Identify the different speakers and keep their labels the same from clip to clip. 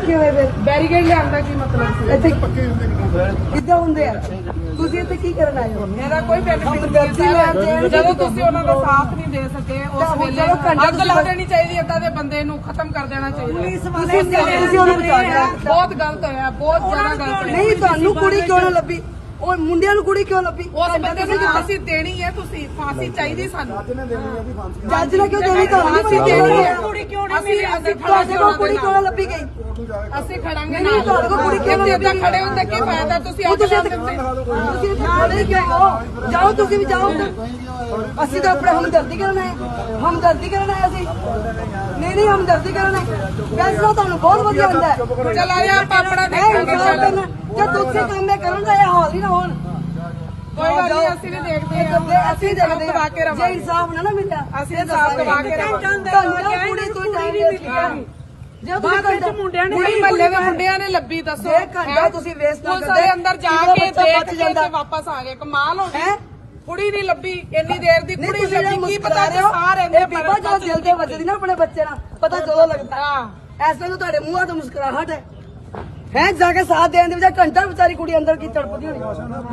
Speaker 1: ਰੱਖੇ ਹੋਏ ਫਿਰ
Speaker 2: ਬੈਰੀਕੇਡ ਲਿਆਂਦਾ ਕੀ ਮਤਲਬ ਸੀ?
Speaker 1: ਇੱਥੇ ਕਿੱਦਾਂ ਹੁੰਦੇ ਆ? ਤੁਸੀਂ ਇੱਥੇ ਕੀ ਕਰਨ ਆਏ ਹੋ?
Speaker 2: ਮੇਰਾ ਕੋਈ ਬੈਨੀਫਿਟ ਨਹੀਂ ਹੈ। ਜਦੋਂ ਤੁਸੀਂ ਉਹਨਾਂ ਦਾ ਸਾਥ ਨਹੀਂ ਦੇ ਸਕੇ ਉਸ ਵੇਲੇ ਅੱਗ ਲਾ ਦੇਣੀ ਚਾਹੀਦੀ, ਏਦਾਂ ਦੇ ਬੰਦੇ ਨੂੰ ਖਤਮ ਕਰ ਦੇਣਾ ਚਾਹੀਦਾ।
Speaker 1: ਤੁਸੀਂ ਉਹਨੂੰ ਬਚਾਇਆ।
Speaker 2: ਬਹੁਤ ਗਲਤ ਹੋਇਆ, ਬਹੁਤ ਜ਼ਿਆਦਾ ਗਲਤ ਹੋਇਆ।
Speaker 1: ਨਹੀਂ ਤੁਹਾਨੂੰ ਕੁੜੀ ਕਿਉਂ ਨਾ ਲੱਭੀ? ਉਹ ਮੁੰਡਿਆਂ ਨੂੰ ਕੁੜੀ ਕਿਉਂ ਲੱਭੀ?
Speaker 2: ਉਸ ਬੰਦੇ ਨੂੰ ਫਾਂਸੀ ਦੇਣੀ ਹੈ, ਤੁਸੀਂ ਫਾਂਸੀ ਚਾਹੀਦੀ ਸਾਨੂੰ।
Speaker 1: ਜੱਜ ਨੇ ਕਿਉਂ ਦੇਣੀ? ਤੁਹਾਨੂੰ
Speaker 2: ਫਾਂਸੀ ਦੇਣੀ ਹੈ।
Speaker 1: ਕੁੜੀ ਕਿਉਂ ਨਹੀਂ ਮਿਲੀ?
Speaker 2: ਅਸੀਂ
Speaker 1: ਤੁਹਾਡੇ ਕੋਲ ਕੁੜੀ ਕਿਉਂ ਨਾ ਲੱਭੀ ਗਈ?
Speaker 2: ਅਸੀਂ ਖੜਾਂਗੇ
Speaker 1: ਨਹੀਂ, ਤੁਹਾਡੇ ਕੋਲ ਕੁੜੀ ਕਿਉਂ ਨਾ ਲੱਭੀ?
Speaker 2: ਏਦਾਂ ਖੜੇ ਹੁੰਦੇ ਕੀ ਫਾਇਦਾ? ਤੁਸੀਂ ਅੱਗ ਲਾ ਦਿੰਦੇ।
Speaker 1: ਤੁਸੀਂ ਇੱਥੇ ਖੜੇ ਕਿਉਂ ਹੋ? ਜਾਓ, ਤੁਸੀਂ ਵੀ ਜਾਓ। ਅਸੀਂ ਤਾਂ ਆਪਣੇ ਹਮਦਰਦੀ ਕਰਨ ਆਏ, ਹਮਦਰਦੀ ਕਰਨ ਆਏ ਅਸੀਂ। ਨਹੀਂ ਹਮਦਰਦੀ ਕਰਨ ਆਏ। ਫੈਸਲਾ ਤੁਹਾਨੂੰ ਬਹੁਤ ਵਧੀਆ ਹੁੰਦਾ ਹੈ।
Speaker 2: ਚਲ ਆਇਆ ਆਪਾਂ ਆਪਣਾ ਦੇਖਾਂਗੇ।
Speaker 1: ਜਦ ਦੂਸਰੇ ਕੰਮ ਇਹ ਕਰਨ ਦਾ ਇਹ ਹਾਲ ਹੀ ਨਾ ਹੋਣ।
Speaker 2: ਕੋਈ ਗੱਲ ਨਹੀਂ, ਅਸੀਂ ਵੀ ਦੇਖਦੇ ਹਾਂ।
Speaker 1: ਅਸੀਂ ਦੇਖਦੇ
Speaker 2: ਦਬਾ ਕੇ
Speaker 1: ਹਾਂ। ਜੇ ਇਨਸਾਫ ਨਾ ਮਿਲਿਆ
Speaker 2: ਅਸੀਂ ਇਨਸਾਫ ਦਬਾ ਕੇ ਰਵਾਂਗੇ।
Speaker 1: ਕੁੜੀ ਕੋਈ ਟਾਈਮ ਵੇਸਟ ਜੇ ਤੁਸੀਂ ਮੁੰਡਿਆਂ ਨੇ
Speaker 2: ਕੁੜੀ ਮਹੱਲੇ ਦੇ ਮੁੰਡਿਆਂ ਨੇ ਲੱਭੀ, ਦੱਸੋ
Speaker 1: ਘੰਟਾ ਤੁਸੀਂ ਵੇਸਟ ਨਾ
Speaker 2: ਕਰਦੇ ਅੰਦਰ ਜਾ ਕੇ ਦੇਖ ਕੇ ਤੇ ਵਾਪਸ ਆ ਗਏ। ਕਮਾਲ ਹੋ ਗਈ। ਕੁੜੀ ਨਹੀਂ ਲੱਭੀ ਇੰਨੀ ਦੇਰ ਦੀ। ਕੁੜੀ ਲੱਭੀ ਕੀ ਪਤਾ ਤੇ ਸਾਰ ਰਹਿੰਦੇ
Speaker 1: ਬੀਬਾ ਜਦੋਂ ਦਿਲ ਤੇ ਵੱਜਦੀ ਨਾ ਆਪਣੇ ਬੱਚੇ ਨਾਲ ਪਤਾ ਜਦੋਂ ਲੱਗਦਾ। ਐਸੇ ਨੂੰ ਤੁਹਾਡੇ ਮੂੰਹਾਂ ਤੋਂ ਮੁਸਕਰਾਹਟ ਹੈ ਜਾ ਕੇ ਸਾਥ ਦੇਣ ਦੇ ਵਿੱਚ ਘੰਟਾ ਵਿਚਾਰੀ ਕੁੜੀ ਅੰਦਰ ਕੀ ਤੜਪਦੀ ਹੋਣੀ।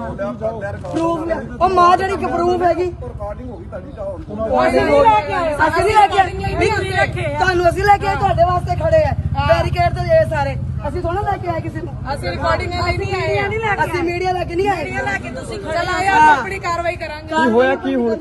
Speaker 1: ਪ੍ਰੂਫ ਉਹ ਮਾਂ ਜਿਹੜੀ ਕਿ ਪ੍ਰੂਫ ਹੈਗੀ। ਅਸੀਂ ਨਹੀਂ ਲੈ ਕੇ ਆਏ ਤੁਹਾਨੂੰ, ਅਸੀਂ ਲੈ ਕੇ ਆਏ ਤੁਹਾਡੇ ਵਾਸਤੇ ਖੜੇ ਆ ਬੈਰੀਕੇਡ ਤੇ ਇਹ ਸਾਰੇ। ਅਸੀਂ ਥੋੜਾ ਲੈ ਕੇ ਆਏ ਕਿਸੇ ਨੂੰ।
Speaker 2: ਅਸੀਂ ਰਿਕਾਰਡਿੰਗ ਲਈ ਨਹੀਂ ਆਏ।
Speaker 1: ਅਸੀਂ ਮੀਡੀਆ ਲੈ ਕੇ ਨਹੀਂ ਆਏ।
Speaker 2: ਤੁਸੀਂ ਚਲ ਆਇਆ ਆਪਣੀ ਕਾਰਵਾਈ ਕਰਾਂਗੇ।
Speaker 3: ਕੀ ਹੋਇਆ? ਕੀ ਹੁਣ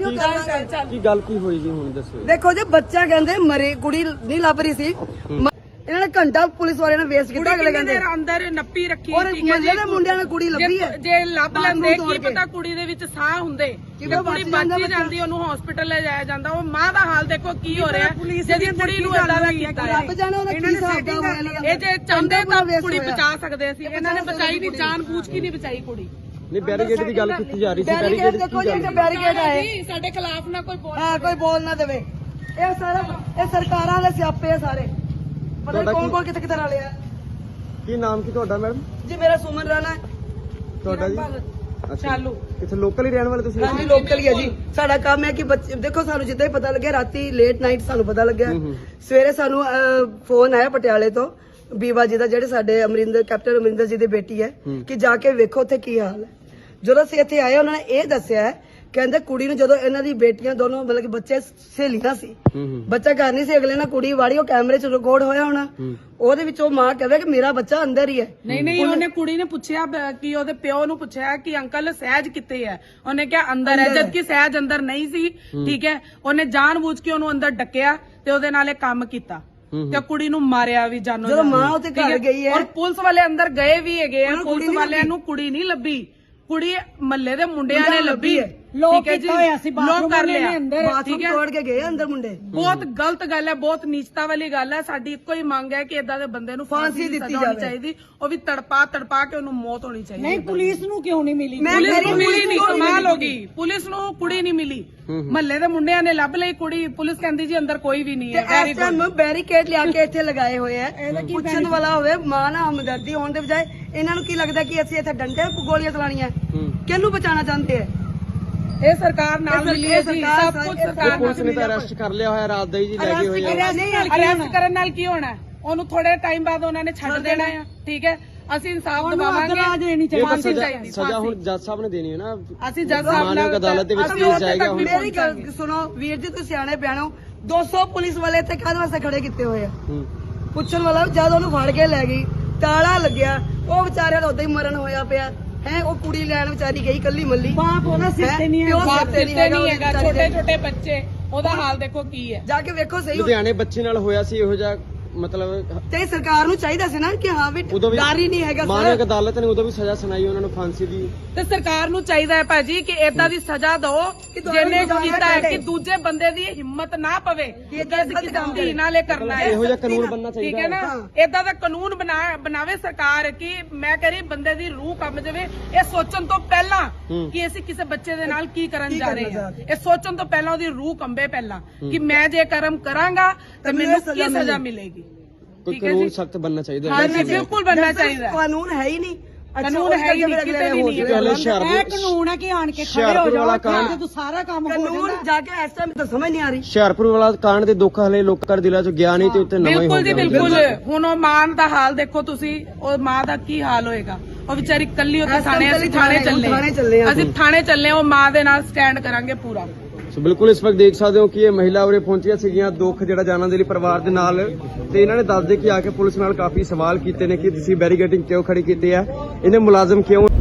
Speaker 3: ਕੀ ਗੱਲ ਕੀ ਹੋਈ ਜੀ? ਹੁਣ ਦੱਸੋ।
Speaker 1: ਦੇਖੋ ਜੀ ਬੱਚਾ ਕਹਿੰਦੇ ਮਰੇ, ਕੁੜੀ ਨਹੀਂ ਲੱਭ ਰਹੀ ਸੀ। ਇਹਨਾਂ ਨੇ ਘੰਟਾ ਪੁਲਿਸ ਵਾਲਿਆਂ ਨੇ ਵੇਸਟ ਕੀਤਾ। ਅਗਲੇ ਕਹਿੰਦੇ
Speaker 2: ਅੰਦਰ ਨੱਪੀ ਰੱਖੀ।
Speaker 1: ਔਰ ਮੁੰਡੇ ਦੇ ਮੁੰਡਿਆਂ ਨੇ ਕੁੜੀ ਲੱਭੀ ਹੈ।
Speaker 2: ਜੇ ਲੱਭ ਲੈਂਦੇ ਕੀ ਪਤਾ ਕੁੜੀ ਦੇ ਵਿੱਚ ਸਾਹ ਹੁੰਦੇ। ਕੁੜੀ ਬਚ ਜਾਂਦੀ, ਉਹਨੂੰ ਹਸਪੀਟਲ ਲੈ ਜਾਇਆ ਜਾਂਦਾ। ਉਹ ਮਾਂ ਦਾ ਹਾਲ ਦੇਖੋ ਕੀ ਹੋ ਰਿਹਾ ਜਿਹਦੀ ਕੁੜੀ ਨੂੰ ਏਦਾਂ ਦਾ ਕੀਤਾ ਹੈ।
Speaker 1: ਰੱਬ ਜਾਣੇ ਉਹਦਾ ਕੀ ਹਿਸਾਬ ਦਾ ਹੋਇਆ।
Speaker 2: ਇਹ ਜੇ ਚਾਹੁੰਦੇ ਤਾਂ ਕੁੜੀ ਬਚਾ ਸਕਦੇ ਸੀ। ਇਹਨਾਂ ਨੇ ਬਚਾਈ ਨਹੀਂ, ਜਾਨ ਬੂਝ ਕੇ ਨਹੀਂ ਬਚਾਈ ਕੁੜੀ।
Speaker 3: ਨਹੀਂ ਬੈਰੀਕੇਡ ਦੀ ਗੱਲ ਕੀਤੀ ਜਾ ਰਹੀ ਸੀ।
Speaker 1: ਬੈਰੀਕੇਡ ਦੇਖੋ ਜੀ, ਬੈਰੀਕੇਡ ਆਏ
Speaker 2: ਸਾਡੇ ਖਿਲਾਫ ਨਾ ਕੋਈ ਬੋਲ।
Speaker 1: ਹਾਂ, ਕੋਈ ਬੋਲ ਨਾ ਦੇਵੇ। ਇਹ ਸਾਰਾ ਇਹ ਸਰਕਾਰਾਂ ਦੇ ਸਿਆਪੇ ਆ ਸਾਰੇ। ਪਤਾ ਨਹੀਂ ਕੌਣ ਕਿੱਥੇ ਕਿੱਥੇ ਰਲੇ ਆ।
Speaker 3: ਕੀ ਨਾਮ ਕੀ ਤੁਹਾਡਾ ਮੈਡਮ?
Speaker 1: ਜੀ ਮੇਰਾ ਸੁਮਨ ਰਾਣਾ ਹੈ।
Speaker 3: ਤੁਹਾਡਾ ਜੀ?
Speaker 2: ਚਾਲੂ
Speaker 3: ਕਿੱਥੇ ਲੋਕਲ ਹੀ ਰਹਿਣ ਵਾਲੇ ਤੁਸੀਂ?
Speaker 1: ਹਾਂਜੀ ਲੋਕਲ ਹੀ ਹੈ ਜੀ। ਸਾਡਾ ਕੰਮ ਹੈ ਕਿ ਬੱਚੇ ਦੇਖੋ, ਸਾਨੂੰ ਜਿੱਦਾਂ ਹੀ ਪਤਾ ਲੱਗਿਆ ਰਾਤੀ ਲੇਟ ਨਾਈਟ ਸਾਨੂੰ ਪਤਾ ਲੱਗਿਆ। ਸਵੇਰੇ ਸਾਨੂੰ ਫੋਨ ਆਇਆ ਪਟਿਆਲੇ ਤੋਂ ਬੀਵਾ ਜੀ ਦਾ, ਜਿਹੜੇ ਸਾਡੇ ਕੈਪਟਨ ਅਮਰਿੰਦਰ ਜੀ ਦੀ ਬੇਟੀ ਹੈ, ਕਿ ਜਾ ਕੇ ਵੇਖੋ ਉੱਥੇ ਕੀ ਹਾਲ ਹੈ। ਜਦੋਂ ਅਸੀਂ ਇੱਥੇ ਆਏ ਉਹਨਾਂ ਨੇ ਇਹ ਦੱਸਿਆ ਹੈ, ਕਹਿੰਦੇ ਕੁੜੀ ਨੂੰ ਜਦੋਂ ਇਹਨਾਂ ਦੀ ਬੇਟੀਆਂ ਦੋਨੋਂ ਮਤਲਬ ਕਿ ਬੱਚੇ ਸਹੇਲੀਆਂ ਸੀ, ਬੱਚਾ ਘਰ ਨਹੀਂ ਸੀ, ਅਗਲੇ ਨਾਲ ਕੁੜੀ ਵਾੜੀ ਉਹ ਕੈਮਰੇ 'ਚ ਰਿਕਾਰਡ ਹੋਇਆ ਹੋਣਾ। ਉਹਦੇ ਵਿੱਚ ਉਹ ਮਾਂ ਕਹਵੇ ਕਿ ਮੇਰਾ ਬੱਚਾ ਅੰਦਰ ਹੀ ਹੈ।
Speaker 2: ਨਹੀਂ ਉਹਨੇ ਕੁੜੀ ਨੇ ਪੁੱਛਿਆ ਕਿ ਉਹਦੇ ਪਿਓ ਨੂੰ ਪੁੱਛਿਆ ਕਿ ਅੰਕਲ ਸਹਿਜ ਕਿੱਥੇ ਹੈ। ਉਹਨੇ ਕਿਹਾ ਅੰਦਰ ਹੈ, ਜਦਕਿ ਸਹਿਜ ਅੰਦਰ ਨਹੀਂ ਸੀ। ਠੀਕ ਹੈ, ਉਹਨੇ ਜਾਣਬੁੱਝ ਕੇ ਉਹਨੂੰ ਅੰਦਰ ਡੱਕਿਆ ਤੇ ਉਹਦੇ ਨਾਲ ਇਹ ਕੰਮ ਕੀਤਾ ਤੇ ਕੁੜੀ ਨੂੰ ਮਾਰਿਆ ਵੀ ਜਾਨੋ।
Speaker 1: ਜਦੋਂ ਮਾਂ ਉੱਥੇ ਘਰ ਗਈ ਹੈ
Speaker 2: ਔਰ ਪੁਲਿਸ ਵਾਲੇ ਅੰਦਰ ਗਏ ਵੀ ਹੈਗੇ ਆ। ਪੁਲਿਸ ਵਾਲਿਆਂ ਨੂੰ ਕੁੜੀ ਨਹੀਂ ਲੱਭੀ, ਕੁੜੀ ਮਹੱਲੇ ਦੇ ਮੁੰਡਿਆਂ ਨੇ ਲੱਭੀ ਹੈ। ਠੀਕ ਹੈ ਜੀ, ਲੋਕ ਕਰ ਲਿਆ।
Speaker 1: ਬਾਥਰੂਮ ਤੋੜ ਕੇ ਗਏ ਅੰਦਰ ਮੁੰਡੇ।
Speaker 2: ਬਹੁਤ ਗਲਤ ਗੱਲ ਹੈ, ਬਹੁਤ ਨੀਚਤਾ ਵਾਲੀ ਗੱਲ ਹੈ। ਸਾਡੀ ਇੱਕੋ ਹੀ ਮੰਗ ਹੈ ਕਿ ਏਦਾਂ ਦੇ ਬੰਦੇ ਨੂੰ ਫਾਂਸੀ ਦਿੱਤੀ ਜਾਣੀ ਚਾਹੀਦੀ। ਉਹ ਵੀ ਤੜਪਾ ਕੇ ਉਹਨੂੰ ਮੌਤ ਹੋਣੀ ਚਾਹੀਦੀ।
Speaker 1: ਨਹੀਂ ਪੁਲਿਸ ਨੂੰ ਕਿਉਂ ਨਹੀਂ ਮਿਲੀ?
Speaker 2: ਪੁਲਿਸ ਨੂੰ ਮਿਲੀ ਨਹੀਂ, ਕਮਾਲ ਹੋ ਗਈ। ਪੁਲਿਸ ਨੂੰ ਕੁੜੀ ਨਹੀਂ ਮਿਲੀ। ਮਹੱਲੇ ਦੇ ਮੁੰਡਿਆਂ ਨੇ ਲੱਭ ਲਈ ਕੁੜੀ। ਪੁਲਿਸ ਕਹਿੰਦੀ ਜੀ ਅੰਦਰ ਕੋਈ ਵੀ ਨਹੀਂ ਹੈ।
Speaker 1: ਇਸ ਟਾਈਮ ਬੈਰੀਕੇਡ ਲਿਆ ਕੇ ਇੱਥੇ ਲਗਾਏ ਹੋਏ ਆ। ਪੁੱਛਣ ਵਾਲਾ ਹੋਵੇ ਮਾਂ ਨਾਲ ਹਮਦਰਦੀ ਹੋਣ ਦੇ ਬਜਾਏ ਇਹਨਾਂ ਨੂੰ ਕੀ ਲੱਗਦਾ ਕਿ ਅਸੀਂ ਇੱਥੇ ਡੰਡੇ ਗੋਲੀਆਂ ਚਲਾਣੀਆਂ। ਕਿਹਨੂੰ ਬਚਾਉਣਾ ਚਾਹੁੰਦੇ ਆ?
Speaker 2: ਇਹ ਸਰਕਾਰ ਨਾਲ ਮਿਲੀ ਹੈ ਜੀ, ਸਭ ਕੁਝ ਸਰਕਾਰ
Speaker 3: ਪੁਲਿਸ ਨੇ ਤਾਂ ਅਰੈਸਟ ਕਰ ਲਿਆ ਹੋਇਆ ਰਾਤ ਦਾ ਹੀ ਜੀ, ਲੈ ਕੇ ਹੋਏ ਆ।
Speaker 2: ਅਰੈਸਟ ਕਰਨ ਨਾਲ ਕੀ ਹੋਣਾ? ਉਹਨੂੰ ਥੋੜੇ ਟਾਈਮ ਬਾਅਦ ਉਹਨਾਂ ਨੇ ਛੱਡ ਦੇਣਾ ਆ। ਠੀਕ ਹੈ, ਅਸੀਂ ਇਨਸਾਫ ਦਿਵਾਵਾਂਗੇ।
Speaker 3: ਸਜ਼ਾ ਹੁਣ ਜੱਜ ਸਾਹਿਬ ਨੇ ਦੇਣੀ ਹੈ ਨਾ।
Speaker 2: ਅਸੀਂ ਜੱਜ ਸਾਹਿਬ ਨਾਲ
Speaker 3: ਅਦਾਲਤ ਦੇ ਵਿੱਚ ਕੇਸ ਜਾਏਗਾ।
Speaker 1: ਮੇਰੀ ਗੱਲ ਸੁਣੋ ਵੀਰ ਜੀ, ਤੁਸੀਂ ਸਿਆਣੇ ਬਿਆਨੋ। 200 ਪੁਲਿਸ ਵਾਲੇ ਇੱਥੇ ਕਾਹਦੇ ਵਾਸਤੇ ਖੜੇ ਕੀਤੇ ਹੋਏ ਆ? ਪੁੱਛਣ ਵਾਲਾ ਜਦ ਉਹਨੂੰ ਫੜ ਕੇ ਲੈ ਗਈ, ਤਾਲਾ ਲੱਗਿਆ, ਉਹ ਵਿਚਾਰਿਆਂ ਦਾ ਉਦਾਂ ਹੀ ਮਰਨ ਹੋਇਆ ਪਿਆ ਹੈ। ਉਹ ਕੁੜੀ ਲੈਣ ਵਿਚਾਰੀ ਗਈ ਕੱਲੀ ਮੱਲੀ। ਬਾਪ ਉਹਦਾ ਸਿਰ ਤੇ ਨਹੀਂ
Speaker 2: ਹੈਗਾ। ਛੋਟੇ ਛੋਟੇ ਬੱਚੇ, ਉਹਦਾ ਹਾਲ ਦੇਖੋ ਕੀ ਹੈ।
Speaker 1: ਜਾ ਕੇ ਵੇਖੋ ਸਹੀ।
Speaker 3: ਲੁਧਿਆਣੇ ਬੱਚੇ ਨਾਲ ਹੋਇਆ ਸੀ ਇਹੋ ਜਿਹਾ, ਮਤਲਬ
Speaker 1: ਤੇ ਸਰਕਾਰ ਨੂੰ ਚਾਹੀਦਾ ਸੀ ਨਾ ਕਿ ਹਾਂ ਵੀ ਡਰ ਹੀ ਨਹੀਂ ਹੈਗਾ।
Speaker 3: ਮਾਨਕ ਅਦਾਲਤ ਨੇ ਉਦੋਂ ਵੀ ਸਜ਼ਾ ਸੁਣਾਈ ਉਹਨਾਂ ਨੂੰ ਫਾਂਸੀ ਦੀ।
Speaker 2: ਤੇ ਸਰਕਾਰ ਨੂੰ ਚਾਹੀਦਾ ਹੈ ਭਾਜੀ ਕਿ ਏਦਾਂ ਦੀ ਸਜ਼ਾ ਦਿਓ ਜਿਹਨੇ ਕੀਤਾ ਹੈ ਕਿ ਦੂਜੇ ਬੰਦੇ ਦੀ ਹਿੰਮਤ ਨਾ ਪਵੇ ਕਿ ਅਸੀਂ ਕਿਸੇ ਧੀ ਨਾਲ ਇਹ ਕਰਨਾ ਹੈ।
Speaker 3: ਇਹੋ ਜਿਹਾ ਕਾਨੂੰਨ ਬਣਨਾ ਚਾਹੀਦਾ।
Speaker 2: ਠੀਕ ਹੈ ਨਾ, ਏਦਾਂ ਦਾ ਕਾਨੂੰਨ ਬਣਾਵੇ ਸਰਕਾਰ ਕਿ ਮੈਂ ਕਹ ਰਹੀ ਬੰਦੇ ਦੀ ਰੂਹ ਕੰਬ ਜਾਵੇ। ਇਹ ਸੋਚਣ ਤੋਂ ਪਹਿਲਾਂ ਕਿ ਅਸੀਂ ਕਿਸੇ ਬੱਚੇ ਦੇ ਨਾਲ ਕੀ ਕਰਨ ਜਾ ਰਹੇ ਹਾਂ, ਇਹ ਸੋਚਣ ਤੋਂ ਪਹਿਲਾਂ ਉਹਦੀ ਰੂਹ ਕੰਬੇ ਪਹਿਲਾਂ ਕਿ ਮੈਂ ਜੇ ਕਰਮ ਕਰਾਂਗਾ ਤਾਂ ਮੈਨੂੰ ਕੀ ਸਜ਼ਾ ਮਿਲੇਗੀ।
Speaker 3: ਕੋਈ ਕਾਨੂੰਨ ਸਖਤ ਬਣਨਾ ਚਾਹੀਦਾ ਹੈ।
Speaker 2: ਹਾਂਜੀ ਬਿਲਕੁਲ ਬਣਨਾ ਚਾਹੀਦਾ।
Speaker 1: ਕਾਨੂੰਨ ਹੈ ਹੀ ਨਹੀਂ।
Speaker 2: ਕਾਨੂੰਨ ਹੈ ਹੀ ਨਹੀਂ, ਕਿਤੇ ਵੀ ਨਹੀਂ ਹੈ।
Speaker 3: ਪਹਿਲੇ
Speaker 4: ਇਹ ਕਾਨੂੰਨ ਹੈ ਕਿ ਆਣ ਕੇ ਖੜੇ ਹੋ
Speaker 3: ਹੁਸ਼ਿਆਰਪੁਰ ਵਾਲਾ
Speaker 4: ਜਾਓ
Speaker 3: ਕਾਂਡ
Speaker 4: ਜਦੋਂ ਸਾਰਾ ਕੰਮ ਹੋ
Speaker 1: ਕਾਨੂੰਨ
Speaker 4: ਜਾਂਦਾ
Speaker 1: ਜਾ ਕੇ ਇਸ ਟਾਈਮ ਤਾਂ ਸਮਝ ਨਹੀਂ ਆ ਰਹੀ।
Speaker 3: ਹੁਸ਼ਿਆਰਪੁਰ ਵਾਲਾ ਕਾਂਡ ਦੇ ਦੁੱਖ ਹਲੇ ਲੋਕਾਂ ਦੇ ਦਿਲਾਂ 'ਚ ਗਿਆ ਨਹੀਂ ਤੇ ਉੱਤੇ ਨਵਾਂ ਹੀ ਹੋ
Speaker 2: ਬਿਲਕੁਲ ਜੀ
Speaker 3: ਗਿਆ।
Speaker 2: ਬਿਲਕੁਲ। ਹੁਣ ਉਹ ਮਾਂ ਦਾ ਹਾਲ ਦੇਖੋ ਤੁਸੀਂ, ਉਹ ਮਾਂ ਦਾ ਕੀ ਹਾਲ ਹੋਏਗਾ। ਉਹ ਵਿਚਾਰੀ ਕੱਲੀ ਉੱਥੇ
Speaker 1: ਇਸ time
Speaker 2: ਥਾਣੇ, ਅਸੀਂ ਥਾਣੇ
Speaker 1: ਥਾਣੇ ਚੱਲੇ
Speaker 2: ਚੱਲੇ
Speaker 1: ਹਾਂ।
Speaker 2: ਅਸੀਂ ਥਾਣੇ ਚੱਲੇ, ਉਹ ਮਾਂ ਦੇ ਨਾਲ ਸਟੈਂਡ ਕਰਾਂਗੇ ਪੂਰਾ।
Speaker 3: ਸੋ ਬਿਲਕੁਲ ਇਸ ਵਕਤ ਦੇਖ ਸਕਦੇ ਹੋ ਕਿ ਇਹ ਮਹਿਲਾ ਉਰੇ ਪਹੁੰਚੀਆਂ ਸੀਗੀਆਂ ਦੁੱਖ ਜਿਹੜਾ ਜਾਣਨ ਦੇ ਲਈ ਪਰਿਵਾਰ ਦੇ ਨਾਲ, ਤੇ ਇਹਨਾਂ ਨੇ ਦੱਸਦੇ ਕਿ ਆ ਕੇ ਪੁਲਿਸ ਨਾਲ ਕਾਫੀ ਸਵਾਲ ਕੀਤੇ ਨੇ ਕਿ ਤੁਸੀਂ ਬੈਰੀਕੇਡਿੰਗ ਕਿਉਂ ਖੜੀ ਕੀਤੀ ਹੈ, ਇਹਨੇ ਮੁਲਾਜ਼ਮ ਕਿਉਂ